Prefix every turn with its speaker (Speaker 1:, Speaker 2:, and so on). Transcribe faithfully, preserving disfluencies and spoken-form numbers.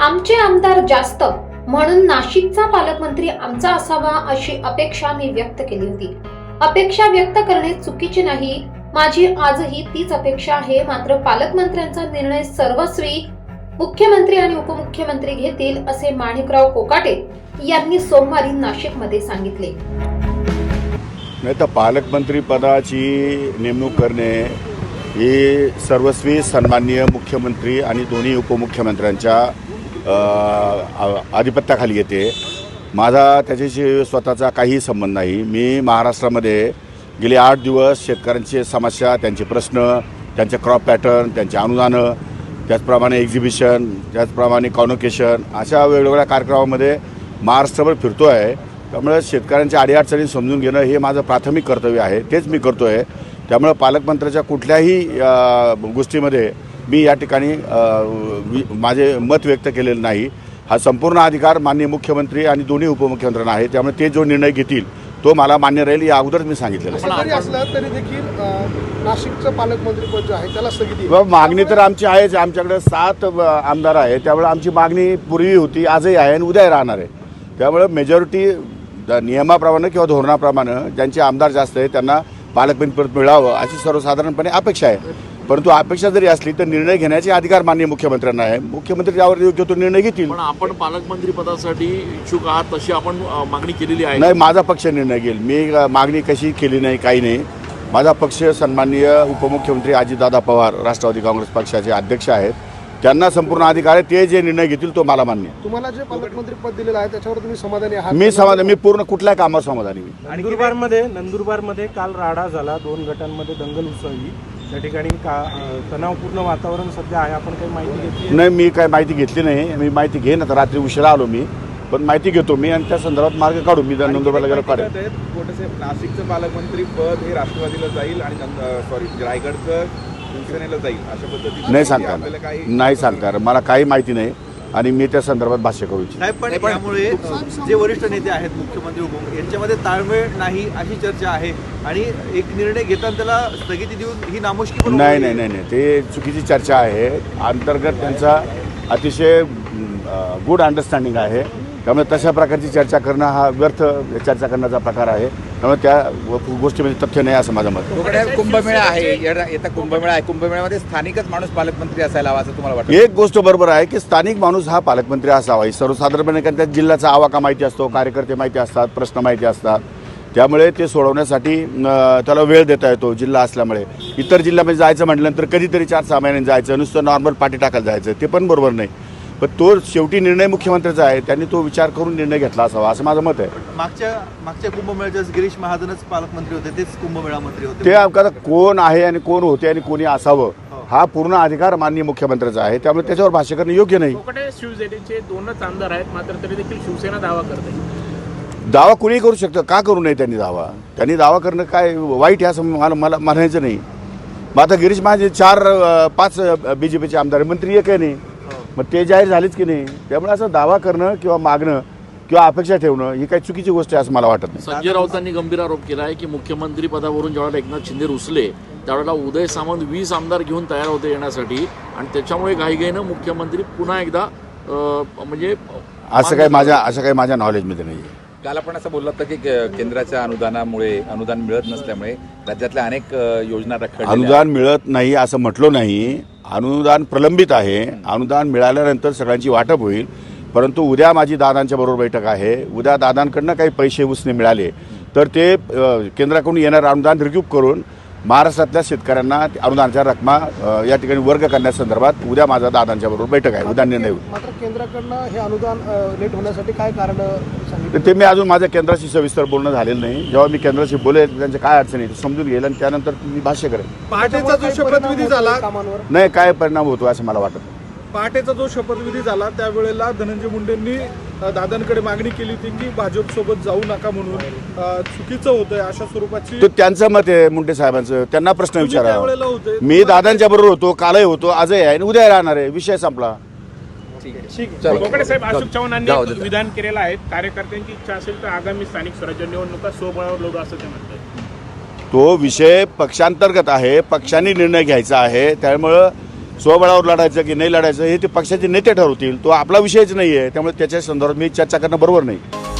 Speaker 1: आमचे आमदार जास्त म्हणून नाशिकचा पालकमंत्री आमचा असावा अशी अपेक्षा मी व्यक्त केली होती। अपेक्षा व्यक्त करणे चुकीचे नाही, माझी आजही तीच अपेक्षा आहे। मात्र पालकमंत्र्यांचा निर्णय सर्वस्वी मुख्यमंत्री आणि उपमुख्यमंत्री घेतील असे माणिकराव कोकाटे यांनी सोमवारी नाशिकमध्ये सांगितले।
Speaker 2: नाही तर पालकमंत्री पदाची नेमणूक करणे ही सर्वस्वी सन्माननीय मुख्यमंत्री आणि दोन्ही उपमुख्यमंत्र्यांच्या आधिपत्याखाली येते। माझा त्याच्याशी स्वतःचा काही संबंध नाही। मी महाराष्ट्रामध्ये गेले आठ दिवस शेतकऱ्यांची समस्या, त्यांचे प्रश्न, त्यांचे क्रॉप पॅटर्न, त्यांचे अनुदानं, त्याचप्रमाणे एक्झिबिशन, त्याचप्रमाणे कॉन्व्होकेशन अशा वेगवेगळ्या कार्यक्रमामध्ये महाराष्ट्रभर फिरतो आहे। त्यामुळे शेतकऱ्यांच्या अडीअडचणी समजून घेणं हे माझं प्राथमिक कर्तव्य आहे, तेच मी करतो आहे। त्यामुळे पालकमंत्र्याच्या कुठल्याही गोष्टीमध्ये मी या ठिकाणी माझे मत व्यक्त केलेलं नाही। हा संपूर्ण अधिकार माननीय मुख्यमंत्री आणि दोन्ही उपमुख्यमंत्र्यांना आहे। त्यामुळे ते जो निर्णय घेतील तो मला मान्य राहील, या अगोदरच मी सांगितलेलं आहे।
Speaker 3: असलं तरी देखील नाशिकचं पालकमंत्री पद जे आहे त्याला स्थगिती
Speaker 2: मागणी तर आमची आहेच। आमच्याकडे सात आमदार आहे, त्यामुळे आमची मागणी पूर्वी होती, आजही आहे आणि उद्याही राहणार आहे। त्यामुळे मेजॉरिटी नियमाप्रमाणे किंवा धोरणाप्रमाणे ज्यांचे आमदार जास्त आहे त्यांना पालकमंत्री पद मिळावं अशी सर्वसाधारणपणे अपेक्षा आहे। परंतु अपेक्षा जरी असली तर निर्णय घेण्याचे अधिकार माननीय मुख्यमंत्र्यांना आहे। मुख्यमंत्री यावर योग्य तो निर्णय घेतील।
Speaker 4: पण आपण पालकमंत्री पदासाठी इच्छुक आहात तशी आपण मागणी केलेली आहे?
Speaker 2: नाही, माझा पक्ष निर्णय घेईल। मी मागणी कशी केली नाही, काही नाही। माझा पक्ष सन्माननीय उपमुख्यमंत्री अजितदादा पवार राष्ट्रवादी काँग्रेस पक्षाचे अध्यक्ष आहेत, त्यांना संपूर्ण अधिकार आहे। ते जे निर्णय घेतील तो मला मान्य।
Speaker 3: तुम्हाला जे पालकमंत्री पद दिलेलं आहे त्याच्यावर तुम्ही समाधानी आहात?
Speaker 2: मी समाधान, मी पूर्ण कुठल्याही कामावर समाधानी मी।
Speaker 5: नंदुरबारमध्ये नंदुरबारमध्ये काल राडा झाला, दोन गटांमध्ये दंगल उसळली, त्या ठिकाणी का तणावपूर्ण वातावरण सध्या आहे। आपण काही माहिती घेतली?
Speaker 2: नाही, मी काही माहिती घेतली नाही। मी माहिती घेईन, आता रात्री उशिरा आलो मी, पण माहिती घेतो मी आणि त्या संदर्भात मार्ग काढू। मी नंदुरबारला गेलो काढेल।
Speaker 6: नाशिकचं पालकमंत्री पद हे राष्ट्रवादीला जाईल आणि सॉरी रायगडचं शिवसेनेला जाईल अशा पद्धतीने
Speaker 2: नाही सांगता नाही सांगता मला काही माहिती नाही आणि मी त्या संदर्भात भाष्य करू इच्छितो।
Speaker 7: पण त्यामुळे जे वरिष्ठ नेते आहेत मुख्यमंत्री उपमुख्यमंत्री यांच्यामध्ये ताळमेळ नाही अशी चर्चा आहे आणि एक निर्णय घेताना त्याला स्थगिती देऊन ही नामुष्की
Speaker 2: नाही नाही नाही नाही ते चुकीची चर्चा आहे। अंतर्गत त्यांचा अतिशय गुड अंडरस्टँडिंग आहे। त्यामुळे तशा प्रकारची चर्चा करणं हा व्यर्थ चर्चा करण्याचा प्रकार आहे। त्यामुळे त्या गोष्टीमध्ये तथ्य नाही असं माझं मत।
Speaker 6: कुंभमेळा आहे, येता कुंभमेळा आहे, कुंभमेळ्यामध्ये स्थानिकच माणूस पालकमंत्री असायला हवा असं तुम्हाला वाटतं?
Speaker 2: एक गोष्ट बरोबर आहे की स्थानिक माणूस हा पालकमंत्री असावा। सर्वसाधारणपणे कारण त्या जिल्ह्याचा आवाका माहिती असतो, कार्यकर्ते माहिती असतात, प्रश्न माहिती असतात, त्यामुळे ते सोडवण्यासाठी त्याला वेळ देता येतो जिल्हा असल्यामुळे। इतर जिल्ह्यामध्ये जायचं म्हटल्यानंतर कधीतरी चार सहा महिन्यांनी जायचं, नुसतं नॉर्मल पाठी टाकायला जायचं, ते पण बरोबर नाही। पण तो शेवटी निर्णय मुख्यमंत्र्याचा आहे, त्यांनी तो विचार करून निर्णय घेतला असावा असं माझं मत आहे।
Speaker 7: मागच्या मागच्या कुंभमेळ्यात गिरीश महाजनच पालकमंत्री होते, तेच कुंभमेळा मंत्री होते।
Speaker 2: ते आता कोण आहे आणि कोण होते आणि कोणी असावं हा पूर्ण अधिकार माननीय मुख्यमंत्र्याचा आहे। त्यामुळे त्याच्यावर भाष्य करणं योग्य नाही।
Speaker 8: शिवसेनेचे दोनच आमदार आहेत, मात्र तरी देखील शिवसेना दावा करते।
Speaker 2: दावा कुणी करू शकतं, का करू नये त्यांनी दावा? त्यांनी दावा करणं काय वाईट आहे असं मला मला म्हणायचं नाही। मग आता गिरीश महाजन चार पाच बी जे पीचे आमदार, मंत्री एक आहे नाही, मग ते जाहीर झालेच की नाही। त्यामुळे असं दावा करणं किंवा मागणं किंवा अपेक्षा ठेवणं ही काही चुकीची गोष्ट आहे असं मला वाटत नाही।
Speaker 4: संजय राऊतांनी गंभीर आरोप केला आहे की मुख्यमंत्री पदावरून ज्यावेळेला एकनाथ शिंदे रुसले त्यावेळेला उदय सामंत वीस आमदार घेऊन तयार होते येण्यासाठी आणि त्याच्यामुळे घाईघाईनं मुख्यमंत्री पुन्हा एकदा म्हणजे
Speaker 2: असं काही माझ्या असं काही माझ्या नॉलेजमध्ये नाही आहे।
Speaker 6: काल आपण असं बोललात की केंद्राच्या अनुदानामुळे अनुदान मिळत नसल्यामुळे राज्यातल्या अनेक योजना रखडलेल्या आहेत।
Speaker 2: अनुदान मिळत नाही असं म्हटलं नाही, अनुदान प्रलंबित आहे। अनुदान मिळाल्यानंतर सगळ्यांची वाटप होईल। परंतु उद्या माझी दादांच्या बरोबर बैठक आहे, उद्या दादांकडनं काही पैसे उसने मिळाले तर ते केंद्राकडून येणारं अनुदान रिक्यूप करून महाराष्ट्रातल्या शेतकऱ्यांना अनुदानाच्या रकमा या ठिकाणी वर्ग करण्यासंदर्भात उद्या माझा दादांच्या बरोबर बैठक आहे, उद्या निर्णय होईल।
Speaker 3: मात्र केंद्राकडनं हे अनुदान लेट होण्यासाठी काय कारण सांगितलं?
Speaker 2: ते मी अजून माझ्या केंद्राशी सविस्तर बोलणं झालेलं नाही। जेव्हा मी केंद्राशी बोलेल त्यांच्या काय अडचणी समजून घेईल आणि त्यानंतर मी भाष्य करेन।
Speaker 3: पहाटेचा जो शपथविधी झाला कामांवर
Speaker 2: नाही काय परिणाम होतो असं मला वाटत नाही।
Speaker 9: पहाटेचा जो शपथविधी झाला त्यावेळेला धनंजय मुंडेंनी दादांकडे मागणी केली होती की भाजपसोबत जाऊ नका म्हणून, चुकीचं होतंय अशा स्वरूपाची।
Speaker 2: तो त्यांचं मत आहे मुंडे साहेबांचं, त्यांना प्रश्न विचारा।
Speaker 9: होते
Speaker 2: मी दादांच्या बरोबर होतो, कालही होतो, आजही आहे आणि उद्या राहणार आहे, विषय संपला।
Speaker 8: कोकाटे साहेब, अशोक चव्हाणांनी विधान केलेलं आहे, कार्यकर्त्यांची इच्छा असेल तर आगामी स्थानिक स्वराज्य निवडणुका स्वबळावर लढू असं ते म्हणतात।
Speaker 2: तो विषय पक्षांतर्गत आहे, पक्षांनी निर्णय घ्यायचा आहे। त्यामुळं स्वबळावर लढायचं की नाही लढायचं हे ते पक्षाचे नेते ठरवतील. तो आपला विषयच नाही आहे, त्यामुळे त्याच्या संदर्भात मी चर्चा करणं बरोबर नाही.